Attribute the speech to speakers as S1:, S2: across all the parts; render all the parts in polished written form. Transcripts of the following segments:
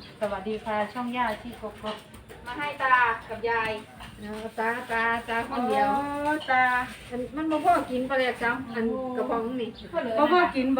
S1: สวัสดีค่ะช่องย่าที่กบ
S2: มาให้ตากับยาย
S3: ตาคนเดียว
S1: ตา
S3: มันบ่พอกินปลาแหลกซ้ำอันกระป๋องนี่
S2: เพื่อเหลือ
S1: พ่อกินบ่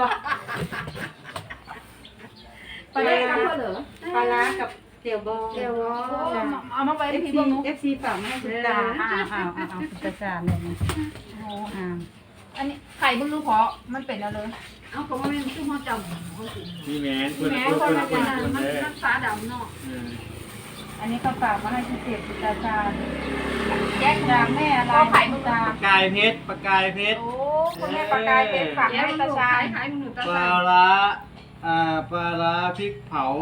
S2: ไปเลยกับเพื่อเหลือ
S1: ปลาร้ากับเตี๋ยวบอง
S3: เดี๋ยวบ่
S2: เอามาไว้
S1: เอ
S2: ใน
S1: ฟ
S2: พี่
S1: ซี
S2: บ้างนุ๊ก
S1: เอฟซีฝากมาให้คุณตาคุณตาจานเลยนะ
S2: อันนี้ไข่มึงรู้เพราะมันเป็นแล้วเลย
S3: เอาก็บ่แม่นคือฮอดจำเขากิน
S4: นี่แม่นคน
S3: แม่
S4: คน
S3: คน
S4: คน
S3: ละ
S4: คน
S3: นั้น
S4: คน
S3: มัน
S4: เด้อ
S3: มันฟ้าดำเนาะ
S1: อันนี้เขาฝากมาให้คุณเจ็บคุณตาจาน
S2: แยก
S1: จากแม่อะไร
S2: ก็ไข่มึง
S1: ตา
S4: ปากกายเพชรปากกายเพชร
S2: โอ้คุณแม่ปลากายเป็นฝาก
S3: เดี๋ยว
S2: ให้
S3: ตา
S2: ตา
S3: ชา
S2: ชาย ย
S3: ขายหมูตา
S4: ปลา
S3: ชาย
S4: ร้าปลาร้าพริกเผา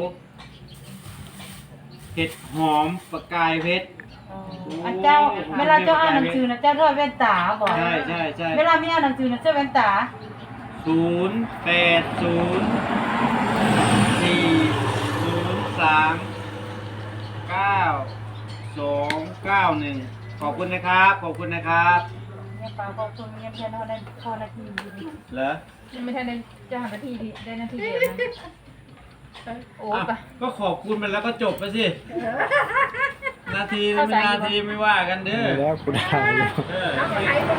S4: เห็ดหอมปากกายเพชร
S1: อันเจ้าเวลาเจ้าอ่านหนังสือนะเจ้าด้วยแว่นตาบ่
S4: ใช่
S1: เวลาไม่อ่านหนังสือนะเจ้าแว่นตา
S4: 0800303991ขอบคุณนะครับ ขอบคุณนะครับ
S1: เนี่ยปลาขอบคุณเนี่ยเพียนเขาได้พอนาทีอยู่ดี
S4: เหรอ
S2: ยังไม่ทันได้จะหานาทีดีได้นาทีเดียวนะโอ้
S4: อ้าว
S2: ไป
S4: ก็ขอบคุณมันแล้วก็จบไปสิ นาทีไม่นาทีไม่ว่ากันเด้อ
S5: แล้วกูได้อยู่
S4: เออ
S3: เอาขายบ่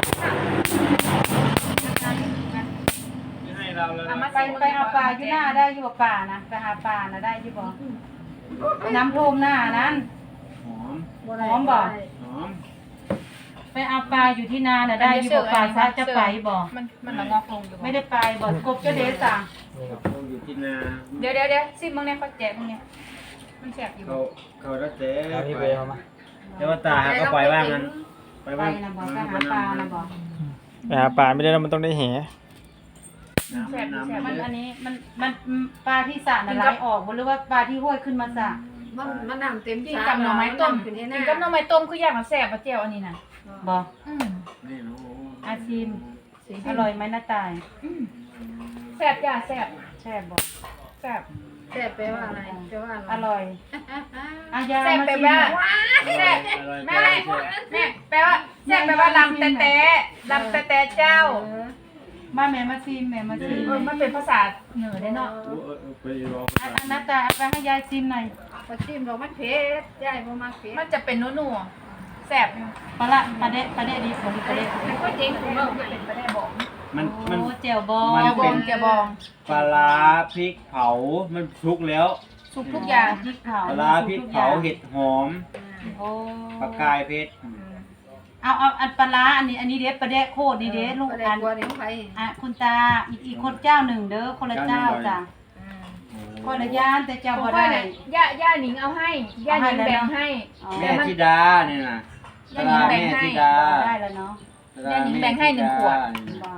S4: ไม่ให้เราแล้ว
S2: เอามา
S4: นะ
S1: ไปเอาปลาอยู่หน้าได้อยู่บ่ป่านะไปหาปลานะได้อยู่บ่น้ำท่วมหน้านั้น
S4: หอม
S1: หอมบ่
S4: หอม
S1: ไปเอาปลาอยู่ที่นาน่ะได้อยู่บ่ปลาซะจะไปบ่
S2: มันงอกลงอยู่
S1: ไม่ได้ไปบ่กบเจ้าเดซ่า
S4: เขาอยู่ที่นา
S2: เดี๋ยวซิมึงเนี่ยเขาแจกมึงเนี่ยมันแสบอยู่
S4: เขารักเจ๊
S5: เอานี่ไปเอามา
S4: เดี๋ยวว่าตาหาก็ปล่อยว่างนั้นปล่อย
S1: ไป
S4: ว่าง
S1: นะบ่ไปหาปลานะบ่
S5: ไปหาปลาไม่ได้แล้วมันต้องได้แห
S4: น้ำ
S1: มัน
S4: เย
S1: อั
S4: อะ
S1: นนี้มันปลาที่สระน่ะไหลออกบ่หรือว่าปลาที่ห้วยขึ้นมาสระ
S3: มันน้ำเต็ม
S2: กินกับหน่อไม้ต้ม
S3: ขึ้นให้
S2: กิ
S3: หน้าน
S2: กับหน่อไม้ต้มคืออย่างละแสบปะเจียวอันนี้น่ะ
S1: บ่
S2: อืม
S4: นี่โอ้โห
S1: อาชิมอร่อยไหมน้าตาย
S2: แสบอย่าแสบ
S1: แซ่บบ่
S2: แสบ
S3: แซ่บแปลว่าอะไรแปลว่าอะไร
S1: อร่อยอายา
S2: แสบ
S1: มา
S2: แปล
S1: ชิม
S2: ว่า
S1: หน่อย
S2: แสบแม่แปลว่าแสบแปลว่าลำแต่ลำแต่เจ้า
S1: มาแม่มาชิมแม่มาชิม
S2: มันเป็นภาษาเหนือได้เนาะ
S4: ไปรอ
S1: อันน้าตายเอาไปให้ยายชิมหน่อย
S3: พอจิ้มเรามันเผ็ดยายบ่มักเผ็ด
S2: มันจะเป็นนัวๆแสบอยู่
S1: ปลาปลาเดะดีผงปลาเดะ
S2: แต่ก็เจ๊งของเราเป็นไปได้บอก
S4: มัน
S1: โอ้แจ่วบอง
S4: มัน
S2: แกบ
S4: เป็
S2: อง
S4: น
S2: แกบอง
S4: ปลาร้าพริกเผา มันชุกแล้ว
S2: สุกทุกอย่าง
S1: พริกเผา
S4: ปลาร้าพริกเผาเห็ดหอม
S1: โอ้
S4: ปลากายเพชร
S1: เอาอันปลาร้าอันนี้เด้ปลาเดะโคตรดีเด้ลูก
S3: ปลาแด
S1: อั
S3: ก
S1: น
S3: บัวนี่ของใคร
S1: คุณตาอีกคนเจ้าหนึ่งเด้อคนละเจ้าจ้ะคนละย่านแต่เจ้า
S2: ผม
S1: บ่
S2: ว่า
S1: ได้
S2: เนี่ยย่าหนิงเอาให้ย่าหนิงแบ่งให้
S4: แม่ธิดาเนี่ยนะปลาร้าแม่ธิดา
S1: ได้แล้วเนาะ
S4: ปลาร้าแม่ธิดา
S1: ว่า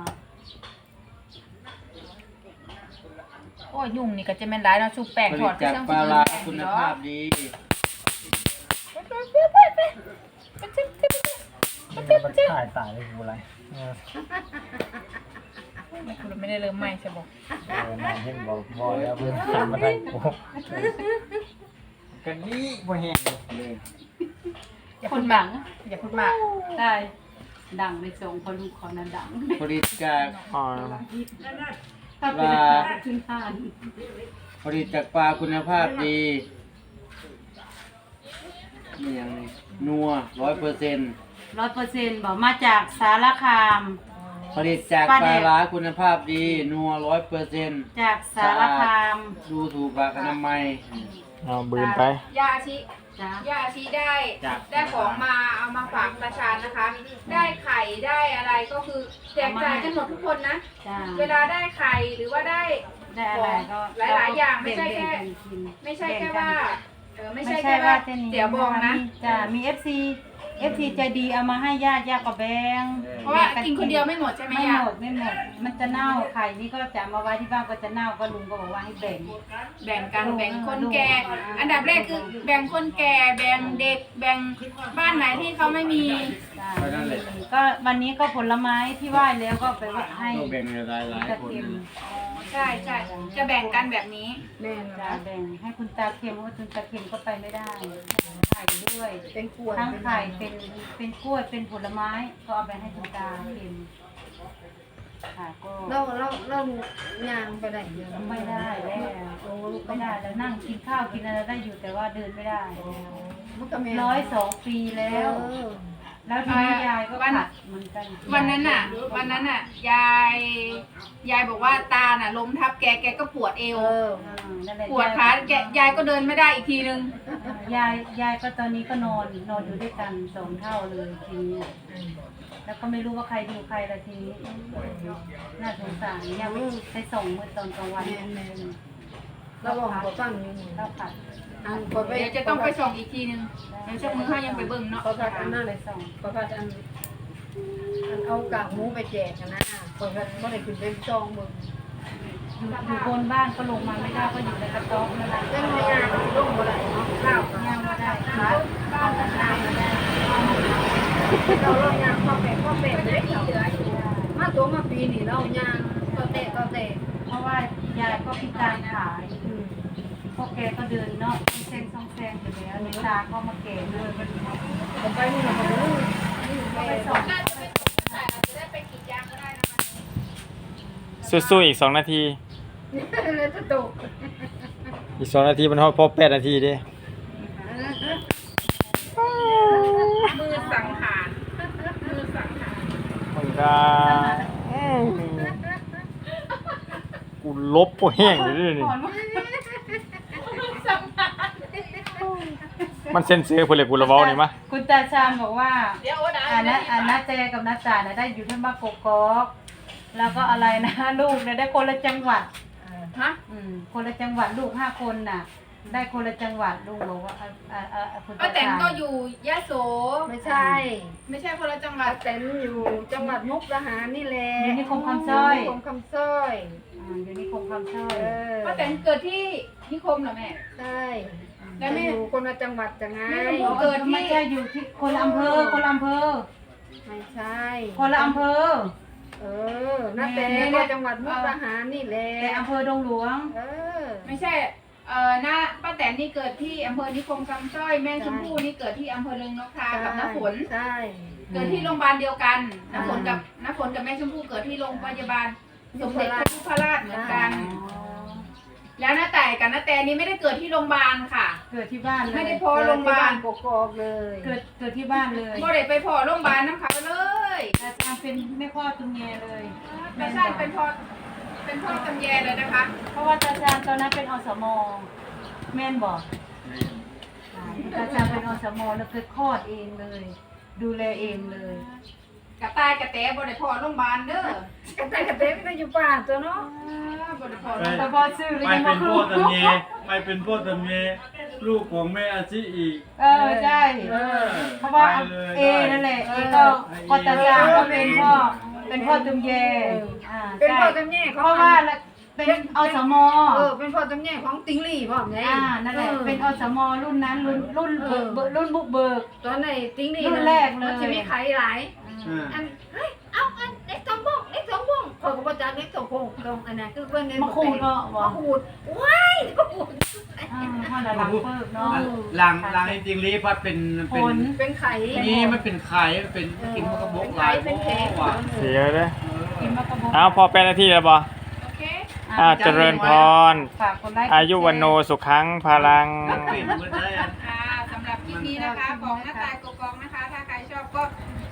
S2: โอ้ยยุ่งนี่ก็จะเป็นร้ายเนาะชุบแป้ง
S4: ผ
S2: ถ
S4: ลิ
S2: อ
S4: ต
S2: ด
S4: จากปลาร้าคุณภาพดี
S5: มันถ่ายตายเลยกูอะไร
S2: คุณไม่ได้เริ่มใหม่ใช่บอก
S5: นายเห็นบอกแล้วเพื่อนทำมาได้กูกันนี่บ่แห้งเลย
S2: อย่าพูดมากอย่าพูดมาก
S1: ได้ดังไปส่งพอลูกเขานั้นดัง
S4: ผลิตจาก
S5: อ๋อ
S1: ถ้าเป็นขึ้นทาน
S4: ผลิตจากปลาคุณภาพดีนี่ยังไงนัว100%
S1: 100%บอกมาจากสารคาม
S4: ผลิตจากปลาร้าคุณภาพดีนัว100%
S1: จากสารคาม
S4: ดูถูกหลักอนามัย
S5: เอาบืนไป
S2: ยาอาชิ
S1: จ้ะ
S2: ยาอาชิได้
S4: จ้ะ
S2: ได้ของมาเอามาฝากประชาชนนะคะ ได้ไข่ได้อะไรก็คือแจกจ่ายกันหมดทุกคนนะ
S1: จ้ะ
S2: เวลาได้ไข่หรือว่าได้
S1: ได้อะไรก็
S2: หลายๆอย่างไม่ใช่แค่
S1: บ่งๆกันกิน
S2: ไม่ใช่แค่ว่าไม่
S1: ไม่
S2: ใช่
S1: ใช่
S2: แค่
S1: ว่า
S2: ว่า
S1: เจนี่
S2: เดี๋ยวบองนะ
S1: จ้ะมี FC ใจดีเอามาให้ญาติก็แบ่ง
S2: เพราะว่ากินคนเดียวไม่หมดใช่ไหม
S1: ไม่
S2: ยา
S1: หมดมันจะเน่าไข่นี่ก็จะมาไว้ที่บ้านก็จะเน่าก็ลุงก็บอกว่าให้แบ่ง
S2: แบ่งกันแบ่งคนแก่ อันดับแรกคือแบ่งคนแก่แบ่งเด็กแบ่งบ้านไหนที่เขาไม่มี
S1: จ้ะก็วันนี้ก็ผลไม้ที่ไหว้แล้วก็ไปไหว้ให้
S4: ต้องแบ่งหลาย
S1: ตา
S4: ๆคน
S1: เค็ม
S2: ใช่ใช่จะแบ่งกันแบบนี้
S3: แม่น
S1: จ้ะ
S3: นะ
S1: แบ่งให้คุณตาเค็มเพราะว่าคุณตาเค็มก็ไปไม่ได้ไข่ด้วย
S3: เป็นขวด
S1: ทั้งไข่เป็นกล้วยเป็นผลไม้ก็เอาไปให้คุณตาเค็มค่ะก็
S3: เราย่างไปได้เยอะ
S1: ไม่ได้แล้วโอ้ไม่ได้แล้วนั่งกินข้าวกินอะไรได้อยู่แต่ว่าเดินไม่ได้
S3: มันก็แม่
S1: 102 ปีแล้ว แล้วทีนี้ยายก็ขัดเหมือนกัน
S2: วันนั้นน่ะยายบอกว่าตาน่ะล้มทับแกก็ปวดเอว
S1: นั่นแหละ
S2: ปวดขายายก็เดินไม่ได้อีกทีนึง
S1: ยายก็ตอนนี้ก็นอนอยู่ด้วยกัน2 เท่าเลยทีนี้แล้วก็ไม่รู้ว่าใครดูใครละทีนี้น่าสงสารยังไม่ไปส่งเมื่อตอนกลางวัน
S3: เราบอกเขาฟังอยู่นี่
S1: เราขัด
S3: อันก็ไป
S2: เดี๋ยวจะต้องไปส่งอีกทีนึงเดี๋ยวเจ้ามือเขายังไปเบิ่งเนาะ
S3: เขาพัดอันนั้น
S1: ไป
S3: เลย
S1: ส่ง
S3: เขาพัดอันเอากากหมูไปแจกกันนะเขาพัดไม่ได้ขึ้นไปจองมึง
S1: อยู่บนบ้านก็ลงมาไม่ได้ก็อยู่ในกระต๊อบนั่นแหละ
S3: เรื่องไม่ยากลงบ่ได้เนาะข้าว
S1: ย่างมาได้ครับ
S3: บ้านกันน้ำมาได้เราลงยางข้าวเป็ดได้เหลืออยู่มาตัวมาปีนี่เรายางก็เตะ
S1: เพราะว่ายายก็พิการขาพวกแกก็เดินเนาะเส้นซองแซงอยู่แล้วในตาก็มาแก่ด้วยมัน
S3: ผมไปนี่เราก็รู้นี่ไปส่ง
S2: น่าจะไปส่งแต่อาจจะได้ไปกรีดยางก็ได้นะคะ
S5: สู้ๆอีก2 นาที
S3: เลยจะตก
S5: อีก2 นาทีมันพอ8 นาทีเด้
S2: มือสังหารมือสังหาร
S5: มันก็กูลบบ่แห้งอยู่ด้วยนี่
S2: สังหาร
S5: มันเซ็นเซอร์เพิ่นเลยกูละเว้านี่มะ
S1: คุณตาชามบอกว่า
S2: เดี๋ยวโอ้ดา
S1: อันนะเจกับนัจ่าน่ะได้อยู่ที่บ้านกกอกแล้วก็อะไรนะ ลูกเนี่ยได้คนละจังหวัด
S2: ฮะ
S1: คนละจังหวัดลูก5 คนน่ะ ได้คนละจังหวัดลุงบอกว่าคุณ
S2: ป้า
S1: ตา
S2: แตน
S1: ชาม
S2: ก็อยู่ยะโส
S3: ไม่ใช่
S2: ไม่ใช่คนละจังหวั
S3: ป้า
S2: ด
S3: แตนอยู่จังหวัดมุกดาหารนี่แหละ
S1: อยู่นิคมคำสร้อย
S3: นิคมคำสร้อย
S1: อยู่นิคมคำสร้อย
S2: ป้าแตนเกิดที่นิคมเหรอแม่
S3: ใช่
S2: แล้วแม่
S3: อยู่คนละจังหวัดจังไง
S2: แม่ชมพู่เกิดที่
S1: ไม่ใช่อยู่ที่คนละอำเภอคนละอำเภอ
S3: ไม่ใช่
S1: คนละอำเภอ
S3: นาแต่ก็จังหวัดมุกดาหารนี่แหละ
S1: แต่อำเภอดงหลวง
S2: ไม่ใช่น้าป้าแตนนี่เกิดที่อำเภอนิคมคำสร้อยแม่ชมพู่นี่เกิดที่อำเภอเริงนกทากับน้าฝน
S3: ใช่
S2: เกิดที่โรงพยาบาลเดียวกันน้าฝนกับแม่ชมพู่เกิดที่โรงพยาบาลสมเด็จพระยุพราชเหมือนกัน แล้วน้าแต่กับน้าแตนนี่ไม่ได้เกิดที่โรงพยาบาลค่ะ
S1: เกิดที่บ้านเลย
S2: ไม่ได้พอโรงพยาบาล
S3: กกอกเลย
S1: เกิดที่บ้านเลย
S2: บ่ได้ไปพอโรงพยาบาลน้ำเขาเลย
S1: อาจารย์เป็นแม่พ่อตุ้มแยเลย
S2: ไม่ใช่เป็นพ่อตำแยเลยนะคะ
S1: เพราะว่าอาจารย์ตอนนั้นเป็นอสมแม่นบอกอาจารย์เป็นอสมแล้วคือคลอดเองเลย ดูแลเองเลย
S2: กระต่ายกระแตบ่ได้พอโรงพยาบาลเด้อก
S3: ระเตไม่ได้อยู่ป่าตัวเนาะ
S2: บ่ได้พอ
S1: แต่พอซื้อเลย
S4: ไป
S1: ยัง
S4: เป็
S1: มาน คื
S4: พ่อตำเยไปเป็นพ่อตำเยลูกของแม่อาชีอีก
S1: ใช่ เพราะว่า
S4: ไปเลย
S1: เอนั่นแหละเอก็ตาจางก็เป็นพ่อตุ้มแย
S3: เป็นพ่อ
S1: ใช่
S3: จำแย่
S1: เพ
S3: ของ
S1: ราะว่าเป็นอสม
S3: เป็นพ่อจำแย่ของติงลี่พ่อไง
S1: นั่นแหละเป็นอสมรุ่นนั้นรุ่นบุกเบิก
S3: ตอนไหนติงลี่
S1: รุ่นแรกเลย
S3: มันจะมีไข่หลายอันเฮ้ยเอาอันเล็กสองพงเล็กสองพงเขาก็บอกจากเล็กสองพงตรงอันนั้นคือเพื่อนเน้น
S1: มาขูดเนาะ
S3: มาขูดว้ายมาขูด
S1: พ่อหลังเปิกเนาะ
S4: หลังจริงๆลีพัดเป็น
S1: ผล
S3: เป็นไข่
S4: นี่มันเป็นไข่มันเป็นกินมันก็บกหลาย
S3: เป็นแข็ง
S4: ว่ะ
S5: เสียเด้อ
S1: กินมากระบอก
S5: อ้าวพอ8 นาทีแล้วบ่
S2: โอเค
S5: เจริญพร
S1: ฝากคนไลค์
S5: อายุวันโนสุขังพลัง
S4: ปิดมันได้
S2: สำหรับคลิปนี้นะคะของหน้าตายกกองนะคะ ถ้าใครชอบก็